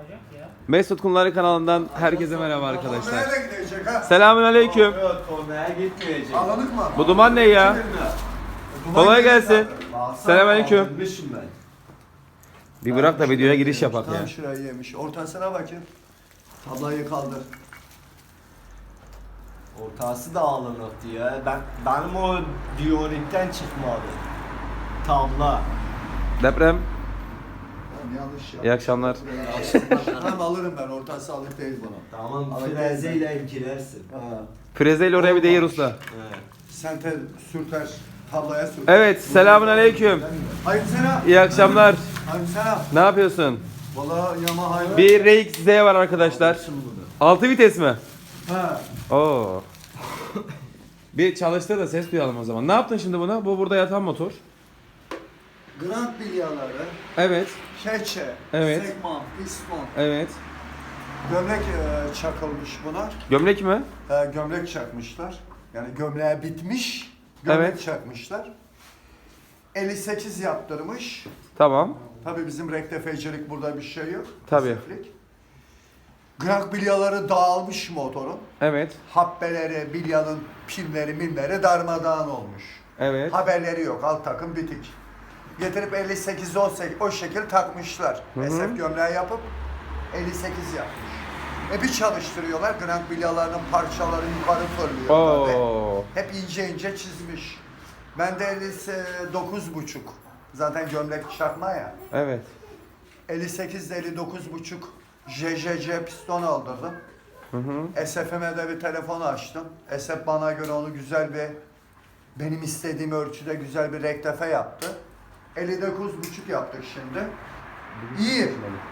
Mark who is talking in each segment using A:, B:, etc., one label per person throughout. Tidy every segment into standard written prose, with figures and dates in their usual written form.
A: Mesut Kumları kanalından herkese merhaba arkadaşlar.
B: Nereye gidecek ha?
A: Selamünaleyküm.
C: Yok, konuya gitmeyecek.
B: Alınık mı?
A: Bu duman ne ya? Kolay gelsin. Selamünaleyküm.
C: Alınmışım ben.
A: Bir bırak da videoya giriş yapak
B: Tam
A: ya.
B: şurayı yemiş. Ortasına bakayım. Tablayı kaldır.
C: Ortası da alınıktı ya. Benim o Diorit'ten çıkmadı. Tabla.
A: Deprem.
B: Yanlış ya.
A: İyi akşamlar.
B: Tamam alırım ben. Ortası alık değil bunu.
C: Tamam,
B: Alın
C: frezeyle ilgilersin.
B: Ha.
A: Frezeyle oraya bir de yer usta.
C: Evet.
B: Sen sürter. Tablaya sürter.
A: Evet, selamünaleyküm.
B: Hayır sana.
A: İyi akşamlar.
B: Hayır sana.
A: Ne yapıyorsun?
B: Valla Yamaha.
A: Bir RX-Z var arkadaşlar. 6 vites mi?
B: Ha.
A: Oo. Bir çalıştır da ses duyalım o zaman. Ne yaptın şimdi buna? Bu burada yatan motor.
B: Grand bilyaları.
A: Evet.
B: Keçe.
A: Evet.
B: Segman. Piston.
A: Evet.
B: Gömlek çakılmış buna.
A: Gömlek mi?
B: Gömlek çakmışlar. Yani gömleğe bitmiş. Gömlek
A: Evet.
B: çakmışlar. 58 yaptırmış.
A: Tamam.
B: Tabii bizim rektefecilik burada bir şey yok.
A: Tabii.
B: Pasiflik. Grak bilyaları dağılmış motorun.
A: Evet.
B: Habbeleri, bilyanın pinleri, minleri darmadağın olmuş.
A: Evet.
B: Haberleri yok. Alt takım bitik. Getirip 58 o şekil takmışlar.
A: Hı.
B: SF gömleği yapıp 58 yapmış. Bir çalıştırıyorlar. Grank bilyalarının parçaları yukarı fırlıyor. tabii.
A: Oo.
B: Hep ince ince çizmiş. Ben de 59,5. Zaten gömlek çakma ya.
A: Evet.
B: 58 ile 59,5 JJC piston aldırdım.
A: Hı hı.
B: SF'ime de bir telefon açtım. SF bana göre onu güzel bir, benim istediğim ölçüde güzel bir rektefe yaptı. 59,5 yaptık şimdi. İyi.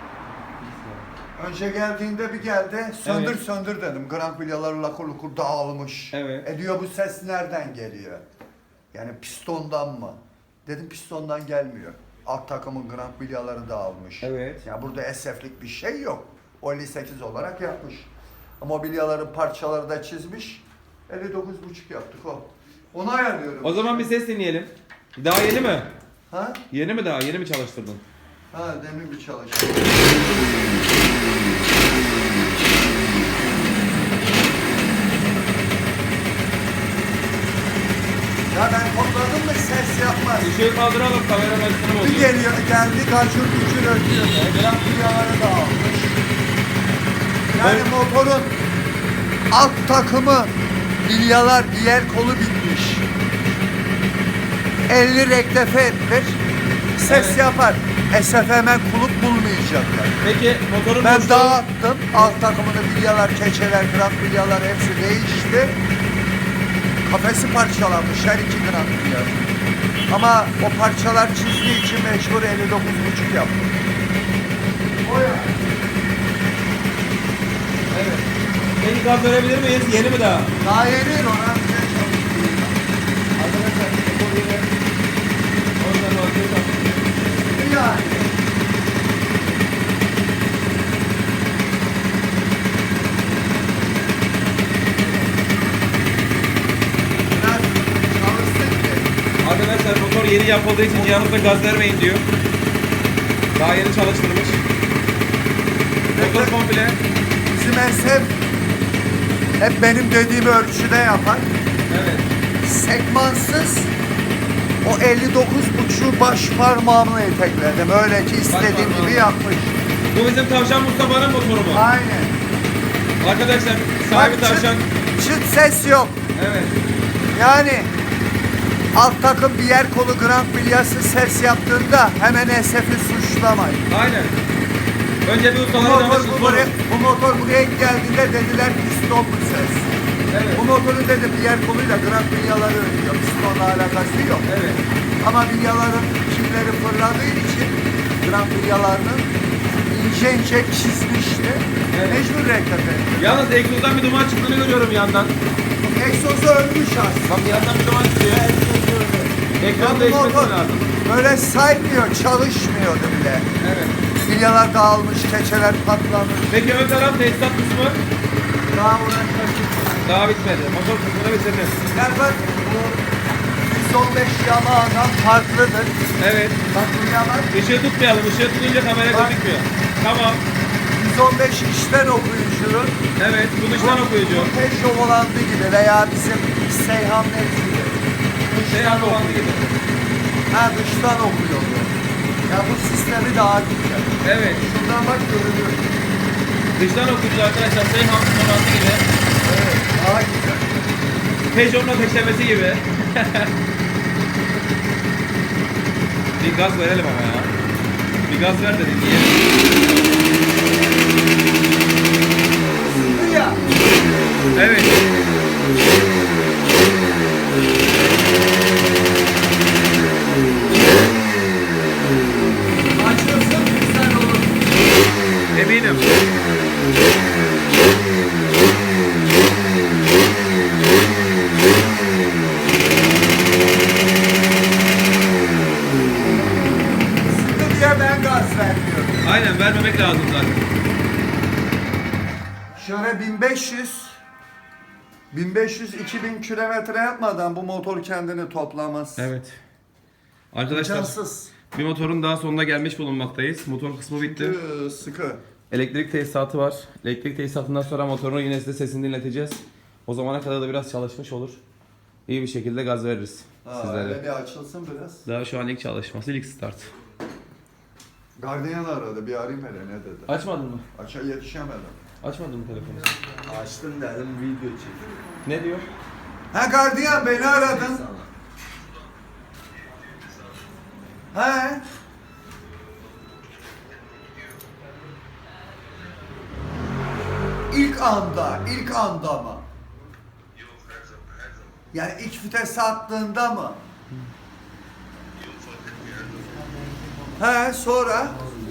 B: Önce geldiğinde bir geldi. Söndür
A: Evet.
B: söndür dedim. Grank bilyaları lakur lukur dağılmış.
A: Evet.
B: Diyor bu ses nereden geliyor? Yani pistondan mı? Dedim pistondan gelmiyor. Alt takımın grank bilyaları dağılmış.
A: Evet.
B: Ya burada SF'lik bir şey yok. O 58 olarak yapmış. Ama o bilyaların parçaları da çizmiş. 59,5 yaptık o. Onu ayarlıyorum.
A: O zaman bir ses dinleyelim. Daha yeni mi?
B: Ha?
A: Yeni mi daha? Yeni mi çalıştırdın?
B: Ha demin bir çalıştım. Ya ben topladım mı ses yapmaz.
A: Işığı kaldıralım, kamera başını
B: Bir
A: bozuyor.
B: geliyor, geldi kaçır gücür ötüyor. Biraz bilyaları dağılmış. Yani motorun alt takımı bilyalar diğer kolu bitmiş. 50 rektefe etmiş. Ses
A: Evet.
B: yapar. SF hemen kulüp bulmayacaklar.
A: Peki motorun
B: Ben
A: boşluğu-
B: dağıttım. Alt takımını bilyalar, keçeler, krank bilyalar hepsi değişti. Kafesi parçalanmış her iki krank bilya. Ama o parçalar çizdiği için mecbur 59,5 yaptım. O ya.
A: Evet. Peki gaz verebilir miyiz? Yeni mi daha?
B: Daha yeni ona bir şey çalıştım.
A: Arkadaşlar motor yeni. Oradan bakıyoruz.
B: Yani. Biraz çalıştık ki.
A: Arkadaşlar motor yeni yapıldığı için yanınıza gaz vermeyin diyor. Daha yeni çalıştırmış. Motor komple.
B: Bizim hep benim dediğim ölçüde yapar.
A: Evet.
B: Segmansız o 59,5'u baş parmağımla etekledim. Öyle ki istediğim
A: parmağınla.
B: gibi yapmış.
A: Bu bizim Tavşan Mustafa'nın motoru mu?
B: Aynen.
A: Arkadaşlar sahibi
B: Bak,
A: Tavşan.
B: çıt ses yok.
A: Evet.
B: Yani alt takım bir yer kolu grand bilyası ses yaptığında hemen SF'i suçlamayın.
A: Aynen. Önce bir
B: Bu
A: ustaları
B: motor,
A: danışın.
B: bu motor buraya geldiğinde dediler piston bu ses.
A: Evet.
B: Bu motorun dedi bir yer koluyla grand bilyaları ölüyor. Pistonla alakası yok.
A: Evet.
B: Ama bilyaların kimleri fırladığı için grand bilyalarının ince ince çizmişti.
A: Evet.
B: Mecbur rektefe.
A: Yalnız egzozdan bir duman çıktığını görüyorum yandan.
B: Egzozu ölmüş aslında.
A: Bak yandan bir duman çıkıyor. Ekran
B: Bu
A: değişmesi
B: motor
A: lazım.
B: böyle saymıyor, çalışmıyordu bile.
A: Evet.
B: Bilyalar dağılmış, keçeler patlamış.
A: Peki ön taraf tesisat kısmı
B: Daha uğraşmak.
A: daha bitmedi. Motor kısmını bitirdim.
B: Yani bak bu 115 Yamaha'dan farklıdır.
A: Evet.
B: Bak bu Yamaha
A: Işığı tutmayalım. Işığı tutunca kamera gözükmüyor. Tamam.
B: 115 içten okuyucunun
A: Evet, bu dıştan okuyucu.
B: Peugeot volandı gibi veya bizim Seyhan gibi.
A: Seyhan volandı gibi.
B: Ha, dıştan okuyor bu. Ya bu sistemi daha güzel.
A: Evet,
B: Şuradan bak görünüyor.
A: dıştan okuyucu arkadaşlar Seyhan volandı gibi.
B: Evet, daha güzel.
A: Peugeot'un ateşlemesi gibi. Bir gaz verelim ama ya. Bir gaz ver dedim diye.
B: Sıkı ya.
A: Evet.
B: Açılsın güzel olur.
A: Eminim.
B: Sıkı diye ben gaz vermiyorum.
A: Aynen vermemek lazım zaten.
B: Şöyle 1500-2000 kilometre yapmadan bu motor kendini toplamaz.
A: Evet. Arkadaşlar
B: İmkansız.
A: bir motorun daha sonuna gelmiş bulunmaktayız. Motor kısmı bitti.
B: Sıkı.
A: Elektrik tesisatı var. Elektrik tesisatından sonra motorun yine size sesini dinleteceğiz. O zamana kadar da biraz çalışmış olur. İyi bir şekilde gaz veririz sizlere.
B: Öyle bir açılsın biraz.
A: Daha şu an ilk çalışması, ilk start.
B: Gardiyan aradı, bir arayayım hele ne dedi.
A: Açmadın mı?
B: Aça yetişemedim.
A: Açmadın mı telefonu?
C: Açtım dedim video çek.
A: Ne diyor?
B: Ha gardiyan beni aradın.
C: Sana.
B: He? İlk anda mı? Yani ilk vitese attığında mı? He, sonra?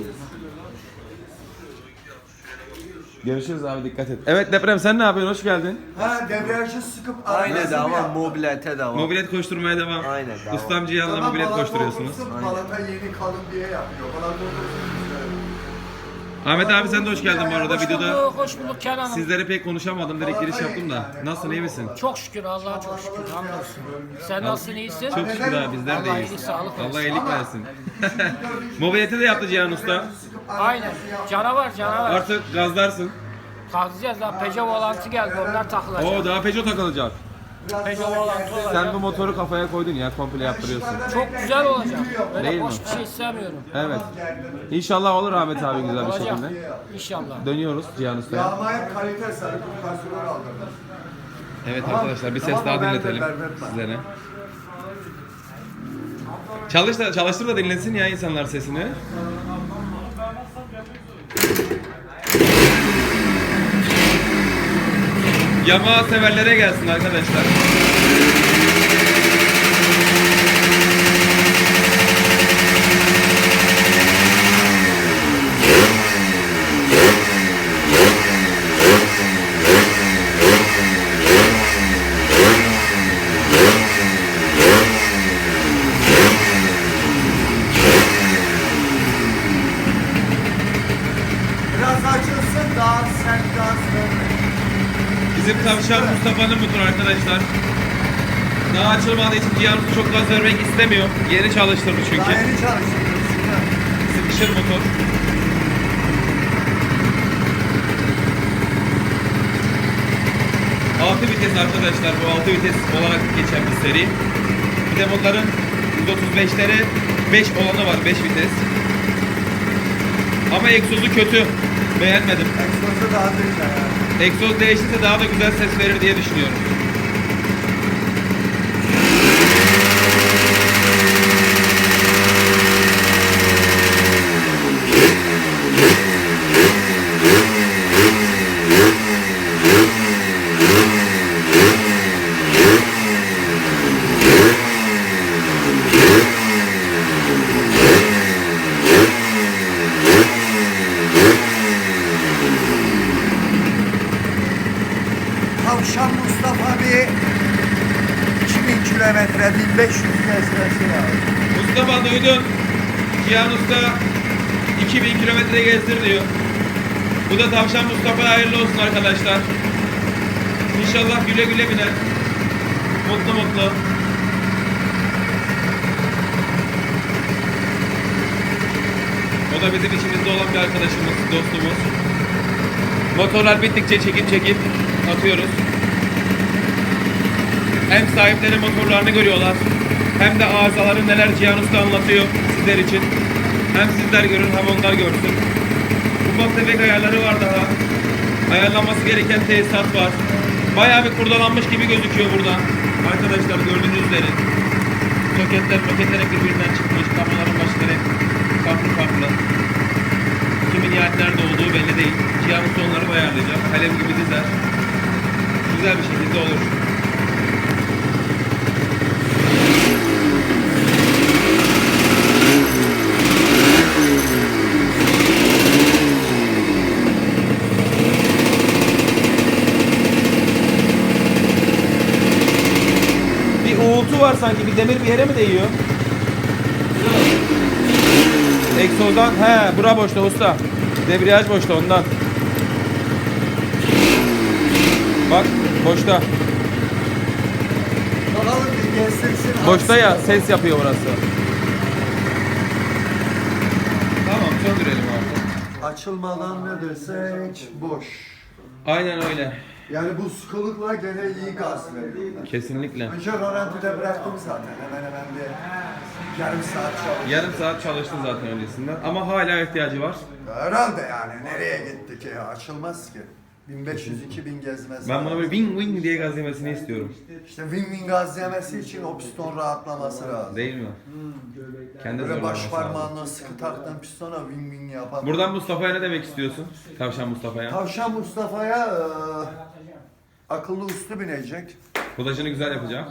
A: Görüşürüz abi, dikkat et. Evet Deprem, sen ne yapıyorsun? Hoş geldin.
B: Ha, debriyajı sıkıp
C: Aynı
B: arabası
C: devam,
B: bir yap.
C: mobilete devam.
A: Mobilet koşturmaya devam.
C: Aynen, devam.
A: Ustam Cihan'la
B: Tamam,
A: mobilet
B: balata
A: koşturuyorsunuz.
B: otursun, balata yeni kalın diye yapıyor. Balata otursun.
A: Ahmet abi sen de hoş geldin bu arada videoda.
D: Hoş bulduk Kenan Hanım.
A: Sizlere pek konuşamadım, direkt giriş yaptım da. Nasılsın, iyi misin?
D: Çok şükür Allah'a çok şükür. Hamdolsun. Sen nasılsın, iyisin?
A: Çok şükür abi, bizler de
D: Allah
A: iyiyiz.
D: iyilik, sağlık versin.
A: Allah iyilik versin. Mobileti de yaptı Cihan Usta.
D: Aynen. Canavar canavar.
A: Artık gazlarsın.
D: Kalkacağız daha Peugeot volantı geldi, onlar takılacak.
A: Oo, daha Peugeot takılacak.
D: Peugeot volantı olacak.
A: Sen bu motoru kafaya koydun ya, komple yaptırıyorsun.
D: Çok güzel olacak. Böyle
A: Değil
D: boş
A: mi?
D: bir şey istemiyorum.
A: Evet. İnşallah olur Ahmet abi güzel bir
D: Olacak.
A: şekilde.
D: İnşallah.
A: Dönüyoruz Cihan Usta'ya.
B: Yağma hep kalite sarı kupasyonu aldırdım.
A: Evet arkadaşlar, bir ses
B: Tamam,
A: daha
B: ben de
A: dinletelim
B: berbertmem.
A: sizlere. Çalıştır da dinlesin ya insanlar sesini. Yamaha severlere gelsin arkadaşlar.
B: Biraz açılsın daha sert gaz vermeyin.
A: Bizim tavşan Mustafa'nın motoru arkadaşlar. Daha açılmadığı için Cihan Usta çok gaz vermek istemiyor. Yeni çalıştırdı
B: Daha
A: çünkü.
B: yeni çalıştırdım.
A: Sıkışır motor. Altı vites arkadaşlar, bu 6 vites olarak geçen bir seri. Bir de bunların 135'leri 5 olanı var, 5 vites. Ama egzozu kötü. Beğenmedim.
B: Egzozu daha güzel yani.
A: Egzoz değişirse daha da güzel ses verir diye düşünüyorum.
B: Tavşan Mustafa bir 2000 kilometre 1500 gezmesi lazım.
A: Mustafa duydun. Cihan Usta 2000 kilometre gezdir diyor. Bu da Tavşan Mustafa'ya hayırlı olsun arkadaşlar. İnşallah güle güle biner. Mutlu mutlu. O da bizim içimizde olan bir arkadaşımız, dostumuz. Motorlar bittikçe çekip atıyoruz. Hem sahipleri motorlarını görüyorlar, hem de arızaları neler Cihan Usta anlatıyor sizler için. Hem sizler görün hem onlar görsün. Ufak tefek ayarları var daha. Ayarlanması gereken tesisat var. Bayağı bir kurdalanmış gibi gözüküyor buradan. Arkadaşlar gördüğünüz üzere. Soketler hep birbirinden çıkmış. Kabloların başları hep farklı. Kimin nihayet nerede olduğu belli değil. Cihan Usta onları da ayarlayacak. Kalem gibi dizer. Güzel bir şekilde olur. Bir uğultu var sanki. Bir demir bir yere mi değiyor? Egzozdan. He, bura boşta usta. Debriyaj boşta ondan. Bak boşta.
B: Bakalım bir gezdirsin.
A: Boşta ya ses yapıyor orası. Tamam söndürelim artık.
B: Açılmadan ne desek boş.
A: Aynen öyle.
B: Yani bu sıkılıkla gene iyi gaz veriyor.
A: Kesinlikle.
B: Önce rölantide bıraktım zaten. Hemen bir yarım saat çalıştım.
A: Yarım saat çalıştı zaten öncesinden ama hala ihtiyacı var.
B: Herhalde yani nereye gittik ya açılmaz ki. 1500-2000 gezmez.
A: Ben buna böyle wing wing diye gaz yemesini istiyorum.
B: İşte wing gaz yemesi için o piston rahatlaması lazım.
A: Değil mi? Kendi
B: Böyle baş
A: zorlaması lazım.
B: parmağınla sıkı taktığın pistona wing yapar.
A: Buradan Mustafa'ya ne demek istiyorsun? Tavşan Mustafa'ya.
B: Tavşan Mustafa'ya akıllı uslu binecek.
A: Kodajını güzel yapacak.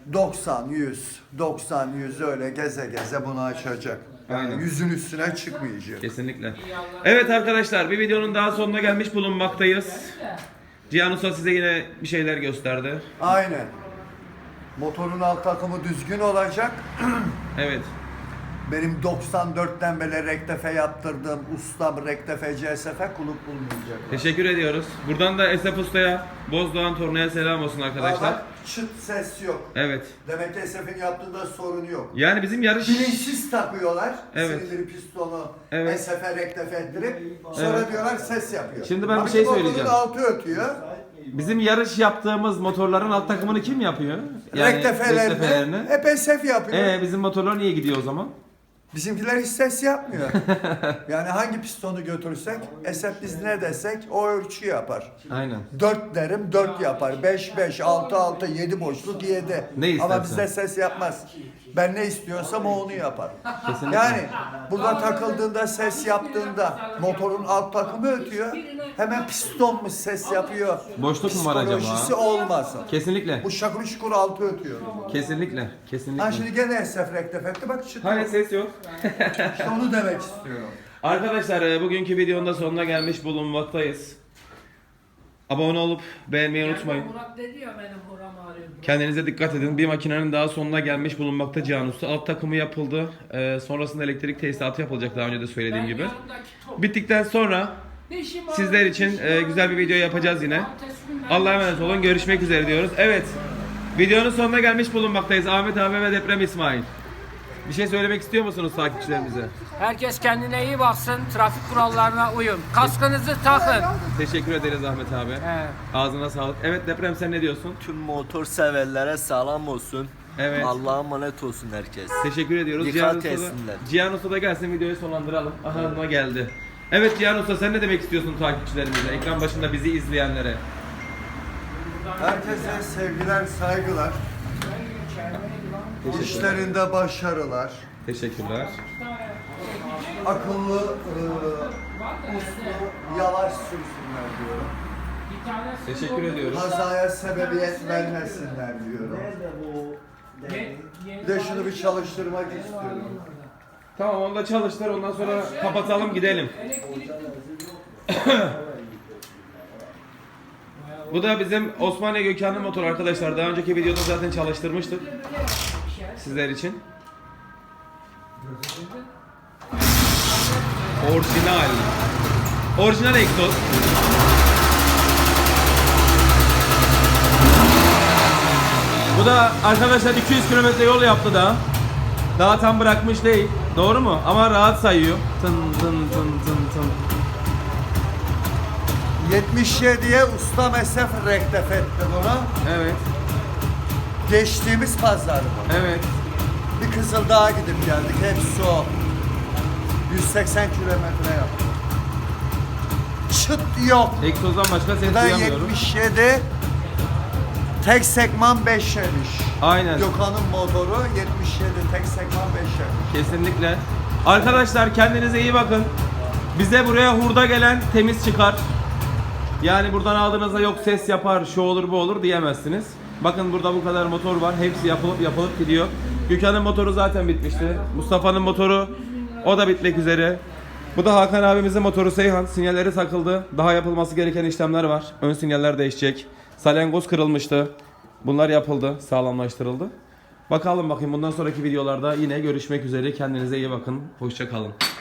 B: 90-100 öyle geze bunu açacak. Yani
A: Aynen.
B: yüzün üstüne çıkmayacak.
A: Kesinlikle. Evet arkadaşlar bir videonun daha sonuna gelmiş bulunmaktayız. Cihan Usta size yine bir şeyler gösterdi.
B: Aynen. Motorun alt takımı düzgün olacak.
A: Evet.
B: Benim 94'ten beri rektefe yaptırdığım ustam rektefe CSF kulüp bulmayacak.
A: Teşekkür ediyoruz. Buradan da Esef Usta'ya, Bozdoğan Torna'ya selam olsun arkadaşlar.
B: Bak, çıt ses yok.
A: Evet.
B: Demek ki Esef'in yaptığında sorun yok.
A: Yani bizim yarış...
B: Bilinçsiz takıyorlar.
A: Evet.
B: Silindir pistonu
A: Evet.
B: Esef'e rektefe ettirip sonra
A: Evet.
B: diyorlar ses yapıyor.
A: Şimdi ben bir
B: Halbuki
A: şey
B: motorun
A: söyleyeceğim.
B: altı ötüyor.
A: Bizim yarış yaptığımız motorların alt takımını kim yapıyor?
B: Rektefelerini hep Esef yapıyor.
A: Bizim motorlar niye gidiyor o zaman?
B: Bizimkiler hiç ses yapmıyor. Yani hangi pistonu götürsek, Esef biz ne desek o ölçü yapar.
A: Aynen.
B: 4 derim 4 yapar. 5, 6, 7 boşluk 7.
A: Ne istersen.
B: Ama bizde ses yapmaz. Ben ne istiyorsam o onu yapar.
A: Kesinlikle.
B: Yani burada takıldığında ses yaptığında motorun alt takımı ötüyor. Hemen pistonmuş ses yapıyor.
A: Boşluk mu var acaba?
B: Psikolojisi olmasın.
A: Kesinlikle.
B: Bu şakır şukur altı ötüyor.
A: Kesinlikle. Kesinlikle.
B: Ha şimdi gene Esef rektefe etti bak çıtıyor.
A: Hani ses yok.
B: İşte onu demek istiyorum.
A: Arkadaşlar bugünkü videonun da sonuna gelmiş bulunmaktayız. Abone olup beğenmeyi unutmayın.
D: Murat dedi ya benim buram ağrıyor.
A: Kendinize dikkat edin. Bir makinenin daha sonuna gelmiş bulunmakta Cihan Usta. Alt takımı yapıldı. Sonrasında elektrik tesisatı yapılacak daha önce de söylediğim gibi. Bittikten sonra sizler için güzel bir video yapacağız yine. Allah'a emanet olun. Görüşmek üzere diyoruz. Evet. Videonun sonuna gelmiş bulunmaktayız. Ahmet abi ve Deprem İsmail. Bir şey söylemek istiyor musunuz takipçilerimize?
D: Herkes kendine iyi baksın. Trafik kurallarına uyun. Kaskınızı takın.
A: Teşekkür ederiz Ahmet abi.
D: He.
A: Ağzına sağlık. Evet Deprem sen ne diyorsun?
C: Tüm motor severlere selam olsun.
A: Evet.
C: Allah'a emanet olsun herkes.
A: Teşekkür ediyoruz.
C: Dikkat
A: Usta da-
C: etsinler.
A: Cihan Usta da gelsin videoyu sonlandıralım. Aha geldi. Evet Cihan Usta sen ne demek istiyorsun takipçilerimize? Ekran başında bizi izleyenlere.
B: Herkese sevgiler, saygılar. İşlerinde başarılar.
A: Teşekkürler.
B: Akıllı, uslu, yavaş sürsünler diyorum.
A: Teşekkür ediyoruz.
B: Kazaya sebebiyet vermesinler diyorum. Bir de şunu bir çalıştırmak istiyorum.
A: Tamam onu da çalıştır ondan sonra kapatalım gidelim. Bu da bizim Osmaniye Gökhan'ın motoru arkadaşlar. Daha önceki videoda zaten çalıştırmıştık. Sizler için. Orijinal. Orijinal egzoz. Bu da arkadaşlar 200 kilometre yol yaptı daha. Daha tam bırakmış değil. Doğru mu? Ama rahat sayıyor. Tın tın tın tın tın.
B: 77'ye usta mesaf rektef etti bunu.
A: Evet.
B: Geçtiğimiz pazar bu.
A: Evet.
B: Bir Kızıldağ'a gidip geldik. Hepsi o. 180 kilometre yaptık. Çıt yok.
A: Egzozdan başka ses
B: Bu da
A: duyamıyorum.
B: 77 tek sekman 5 yemiş.
A: Aynen.
B: Gökhan'ın motoru 77 tek sekman 5 yemiş.
A: Kesinlikle. Arkadaşlar kendinize iyi bakın. Bize buraya hurda gelen temiz çıkar. Yani buradan aldığınızda yok ses yapar, şu olur bu olur diyemezsiniz. Bakın burada bu kadar motor var. Hepsi yapılıp gidiyor. Gökhan'ın motoru zaten bitmişti. Mustafa'nın motoru o da bitmek üzere. Bu da Hakan abimizin motoru Seyhan. Sinyalleri takıldı. Daha yapılması gereken işlemler var. Ön sinyaller değişecek. Salyangoz kırılmıştı. Bunlar yapıldı, sağlamlaştırıldı. Bakalım bakayım bundan sonraki videolarda yine görüşmek üzere. Kendinize iyi bakın. Hoşça kalın.